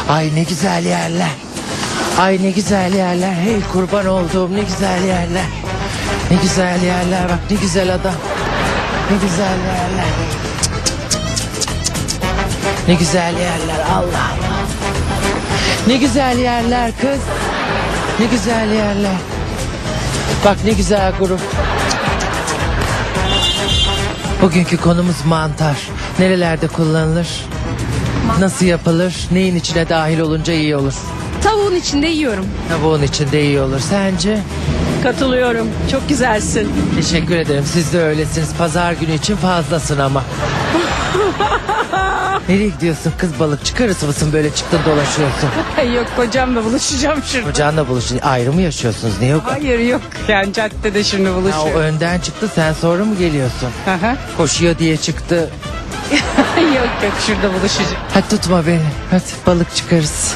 Ay ne güzel yerler. Ay ne güzel yerler. Hey kurban olduğum ne güzel yerler. Ne güzel yerler bak ne güzel adam. Ne güzel yerler. Ne güzel yerler Allah Allah. Ne güzel yerler kız. Ne güzel yerler. Bak ne güzel grup. Bugünkü konumuz mantar. Nerelerde kullanılır? Nasıl yapılır? Neyin içine dahil olunca iyi olur? Tavuğun içinde yiyorum. Tavuğun içinde iyi olur. Sence? Katılıyorum. Çok güzelsin. Teşekkür ederim. Siz de öylesiniz. Pazar günü için fazlasın ama. Nereye gidiyorsun kız balıkçı karısı mısın böyle çıktın dolaşıyorsun? Yok, kocamla buluşacağım şurada. Kocanla buluşun. Ayrı mı yaşıyorsunuz? Niye yok? Hayır yok. Yani caddede şimdi Ha, o buluşuyorum. önden çıktı sen sonra mı geliyorsun? Aha. Koşuyor diye çıktı. Yok yok, şurada buluşacağım. Hadi tutma beni. Hadi balık çıkarız.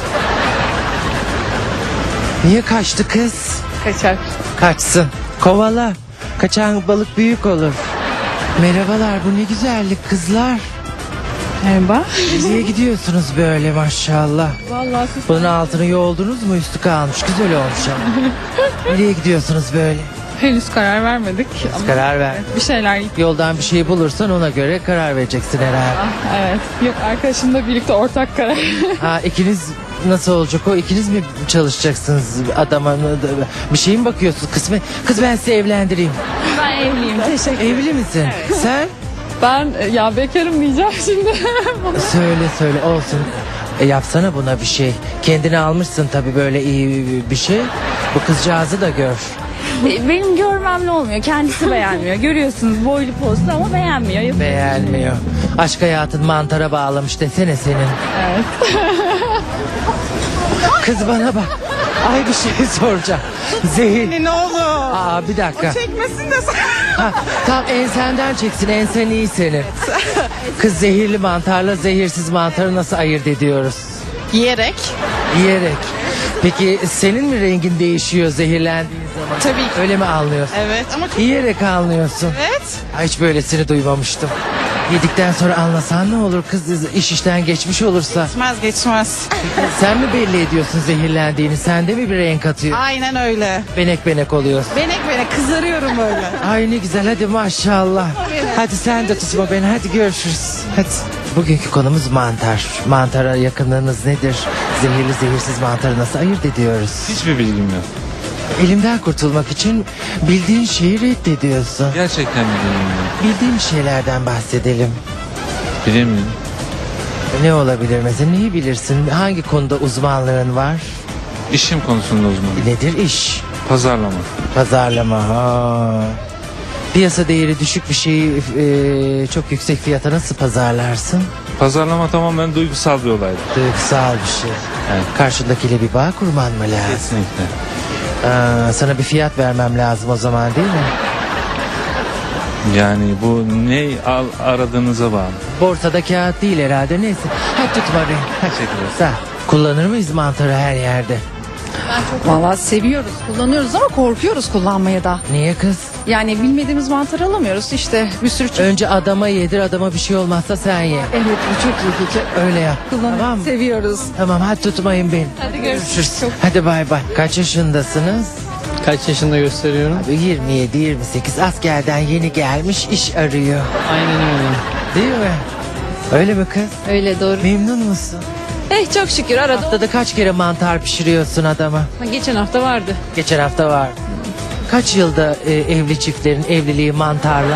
Niye kaçtı kız? Kaçar. Kaçsın. Kovala. Kaçan balık büyük olur. Merhabalar bu ne güzellik kızlar. Merhaba. Nereye gidiyorsunuz böyle maşallah. Vallahi siz... Bunun altını yoğuldunuz mu üstü kalmış güzel olmuş ama. Nereye gidiyorsunuz böyle? Henüz karar vermedik. Ama Karar ver. bir şeyler... Yoldan bir şey bulursan ona göre karar vereceksin herhalde. Evet. Yok, arkadaşımla birlikte ortak karar. Ha ikiniz nasıl olacak o? İkiniz mi çalışacaksınız adama? Bir şey mi bakıyorsunuz? Kız ben sizi evlendireyim. Ben evliyim. Teşekkür Evli misin? Sen? Ben ya bekarım diyeceğim şimdi. Söyle olsun. Yapsana buna bir şey. Kendini almışsın tabii böyle iyi bir şey. Bu kızcağızı da gör. Benim görmemle olmuyor. Kendisi beğenmiyor. Görüyorsunuz boylu postlu ama beğenmiyor. Beğenmiyor. Aşk hayatın mantara bağlamış desene senin. Evet. Kız bana bak. Ay bir şey soracağım. Zehir. Ne olur. Aa bir dakika. Çekmesin de sen. Ha, tam ensenden çeksin. Ensen iyi senin. Kız zehirli mantarla zehirsiz mantarı nasıl ayırt ediyoruz? Yiyerek. Yiyerek. Peki senin mi rengin değişiyor zehirlendiğin zaman? Tabii ki. Öyle mi anlıyorsun? Evet ama çok... Yiyerek anlıyorsun. Evet. Ay, hiç böylesini duymamıştım. Yedikten sonra anlasan ne olur kız iş işten geçmiş olursa. Geçmez. Sen mi belli ediyorsun zehirlendiğini? Sende mi bir renk atıyor? Aynen öyle. Benek oluyorsun. Benek kızarıyorum böyle. Ay ne güzel hadi maşallah. Hadi sen de tutma beni hadi görüşürüz. Hadi. Bugünkü konumuz mantar. Mantara yakınlığınız nedir? Zehirli zehirsiz mantarı nasıl ayırt ediyoruz? Hiçbir bilgim yok. Elimden kurtulmak için bildiğin şeyi reddediyorsun. Gerçekten bir bilgim yok. Bildiğim şeylerden bahsedelim. Bilemiyorum. Ne olabilir mesela? Neyi bilirsin? Hangi konuda uzmanlığın var? İşim konusunda uzmanım. Nedir iş? Pazarlama. Pazarlama. Ha. Piyasa değeri düşük bir şeyi çok yüksek fiyata nasıl pazarlarsın? Pazarlama tamamen duygusal bir olaydır. Duygusal bir şey. Evet. Karşındakiyle bir bağ kurman mı lazım? Kesinlikle. Sana bir fiyat vermem lazım o zaman değil mi? Yani bu ne aradığınıza bağlı. Borsada kağıt değil herhalde neyse. Hadi tutma beni. Hadi. Teşekkürler. Sağ. Kullanır mıyız mantarı her yerde? Vallahi seviyoruz, kullanıyoruz ama korkuyoruz kullanmaya da. Niye kız? Yani bilmediğimiz mantar alamıyoruz işte bir sürü çeşit. Önce adama yedir adama bir şey olmazsa sen ye. Evet, bu çok iyi fikir. Öyle yap. Kullanıyoruz, Tamam mı? seviyoruz. Tamam hadi tutmayın beni. Hadi görüşürüz. Hadi bay bay. Kaç yaşındasınız? Kaç yaşında gösteriyorum? Abi 27-28 askerden yeni gelmiş iş arıyor. Aynen öyle. Değil mi? Öyle mi kız? Öyle doğru. Memnun musun? Çok şükür arada. Haftada kaç kere mantar pişiriyorsun adama? Geçen hafta vardı. Geçen hafta var. Kaç yılda evli çiftlerin evliliği mantarla?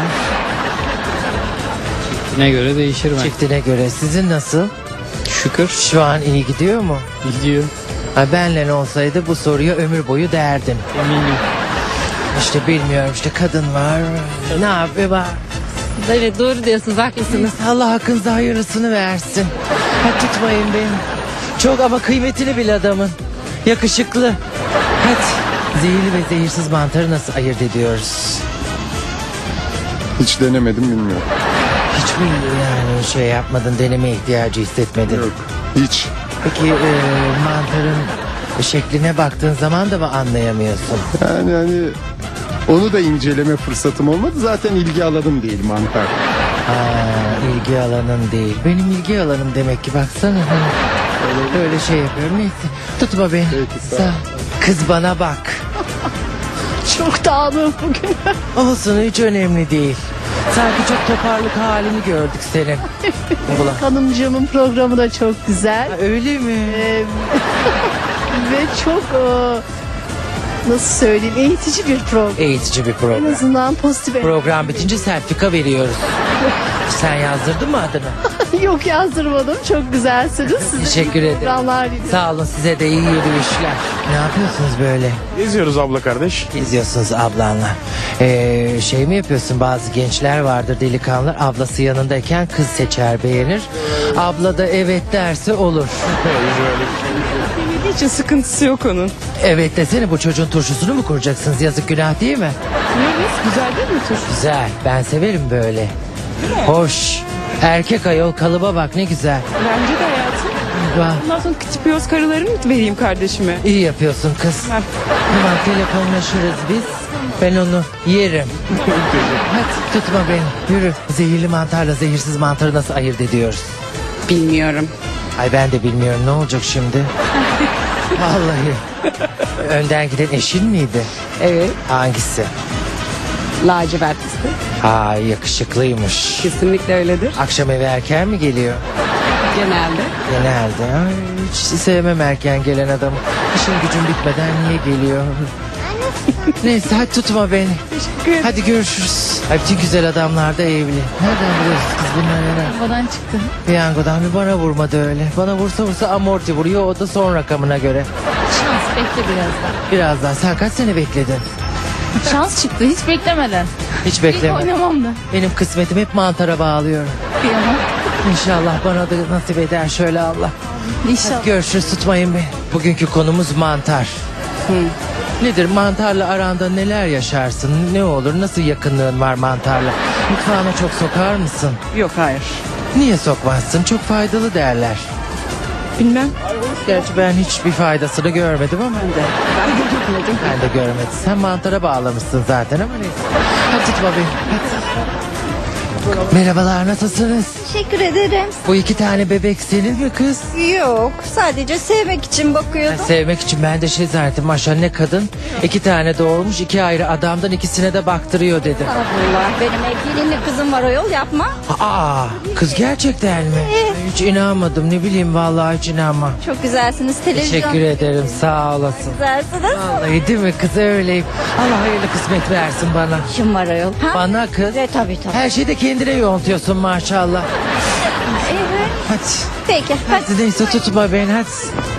Ne göre değişir ben. Çiftine göre. Sizin nasıl? Şükür Şu an iyi gidiyor mu? gidiyor. Ha, benle olsaydı bu soruya ömür boyu derdim. Eminim. İşte bilmiyorum işte kadın var. Ne yapıyor bak. Evet doğru diyorsunuz, haklısınız. Allah hakkınızda hayırlısını versin. Hadi tutmayın beni. Çok ama kıymetini bil adamın. Yakışıklı. Hadi. Zehirli ve zehirsiz mantarı nasıl ayırt ediyoruz? Hiç denemedim bilmiyorum. Hiç mi yani şey yapmadın, deneme ihtiyacı hissetmedin? Yok. Hiç. Peki mantarın şekline baktığın zaman da mı anlayamıyorsun? Yani hani onu da inceleme fırsatım olmadı. Zaten ilgi alanım değil mantar. Ha, ilgi alanın değil. Benim ilgi alanım demek ki baksana. Hani Öyle şey yapıyorum. Neyse. Tutma beni. Peki, sağ ol. Sağ ol. Kız bana bak. Çok dağınık bugün. Olsun hiç önemli değil. Sanki çok toparlık halini gördük senin. Ulan. Hanımcığımın programı da çok güzel. Öyle mi? Ve çok nasıl söyleyeyim eğitici bir program. Eğitici bir En program. azından pozitif. Program bitince sertifika veriyoruz. Sen yazdırdın mı adını? Yok yazdırmadım. Çok güzelsiniz. Size Teşekkür iyi ederim. programlar diliyorum. Sağ olun size de iyi yürüyüşler. Ne yapıyorsunuz böyle? Geziyoruz abla kardeş. Geziyorsunuz ablanla. Şey mi yapıyorsun, bazı gençler vardır delikanlılar, ablası yanındayken kız seçer beğenir. Abla da evet derse olur. Hiç sıkıntısı yok onun. Evet desene, bu çocuğun turşusunu mu kuracaksınız, yazık günah değil mi? Güzel değil mi turşu? Güzel, ben severim böyle. Hoş. Erkek ayol, kalıba bak ne güzel. Bence de hayatım. Vah, Ondan sonra küçük karıları mı vereyim kardeşime? iyi yapıyorsun kız. Ben- Tamam, telefonlaşırız biz. Ben onu yerim. Hadi tutma beni, yürü. Zehirli mantarla zehirsiz mantarı nasıl ayırt ediyoruz? Bilmiyorum. Ay ben de bilmiyorum, ne olacak şimdi? Vallahi. Önden giden eşin miydi? Evet. Hangisi? Lacivert fıstık. Ay yakışıklıymış. Kesinlikle öyledir. Akşam eve erken mi geliyor? Genelde. Genelde. Ay, hiç sevmem erken gelen adamı. İşin gücün bitmeden niye geliyor? Neyse hadi tutma beni. Hadi görüşürüz. Ay bütün güzel adamlar da evli. Nereden biliyorsunuz kız bunları? Havadan çıktı. Piyangodan bir bana vurmadı öyle. Bana vursa amorti vuruyor, o da son rakamına göre. Şans bekle biraz daha. Birazdan. Sen kaç sene bekledin? Şans çıktı hiç beklemeden. Hiç bekleme. Oynamam da. Benim kısmetim hep mantara bağlıyorum. Kıyamam. İnşallah bana da nasip eder şöyle Allah. İnşallah. Görüşürüz, tutmayın beni. Bugünkü konumuz mantar. Nedir, mantarla aranda neler yaşarsın? Ne olur, nasıl yakınlığın var mantarla? Mutfağına çok sokar mısın? Yok hayır. Niye sokmazsın? Çok faydalı derler. Bilmem. Gerçi ben hiçbir faydasını görmedim ama. Ben de gitmedim. Ben de görmedim. Sen mantara bağlamışsın zaten ama neyse. Hadi tutma beni. Hadi. Merhabalar, nasılsınız? Teşekkür ederim. Bu iki tane bebek senin mi kız? Yok, sadece sevmek için Ben bakıyordum. sevmek için ben de şey zannettim. Maşallah ne kadın. 2 tane doğurmuş, 2 ayrı adamdan ikisine de baktırıyor dedim. Allah, benim evliliğimle kızım var, o yol yapma. Aa, kız gerçekten mi? Hiç inanmadım, ne bileyim, vallahi hiç inanmam. Çok güzelsiniz, televizyon. Teşekkür ederim, sağ olasın. Güzelsiniz. Vallahi değil mi kız, öyleyim. Allah hayırlı kısmet versin bana. Kim var ayol? Ha? Bana kız. Tabii. Her şeyi de kendine yontuyorsun maşallah. Evet. Hadi. Peki, hadi. Hadi neyse tutma beni, hadi.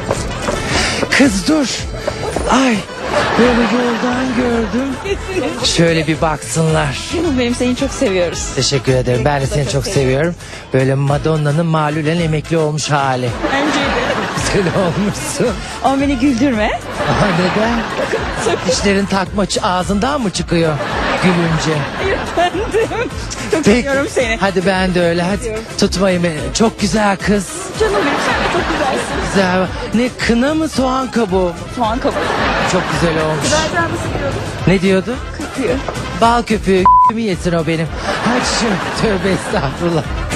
Kız dur. Ay, böyle yoldan gördüm. Şöyle bir baksınlar. Canım benim, seni çok seviyoruz. Teşekkür ederim. Ben de seni çok seviyorum. Böyle Madonna'nın malulen emekli olmuş hali. Bence de. Güzel olmuşsun. Ama beni güldürme. Aha, neden? Dişlerin ağzından mı çıkıyor gülünce? Efendim. Çok Peki. seviyorum seni. Hadi ben de öyle. Hadi tutmayın beni. Çok güzel kız. Canım benim, sen de çok güzelsin. Güzel. Ne, kına mı soğan kabuğu? Soğan kabuğu. Çok güzel olmuş. Zaten nasıl diyordun? Ne diyordu? Köpüğü. Bal köpüğü mi yesin o benim? Hadi şu, tövbe estağfurullah.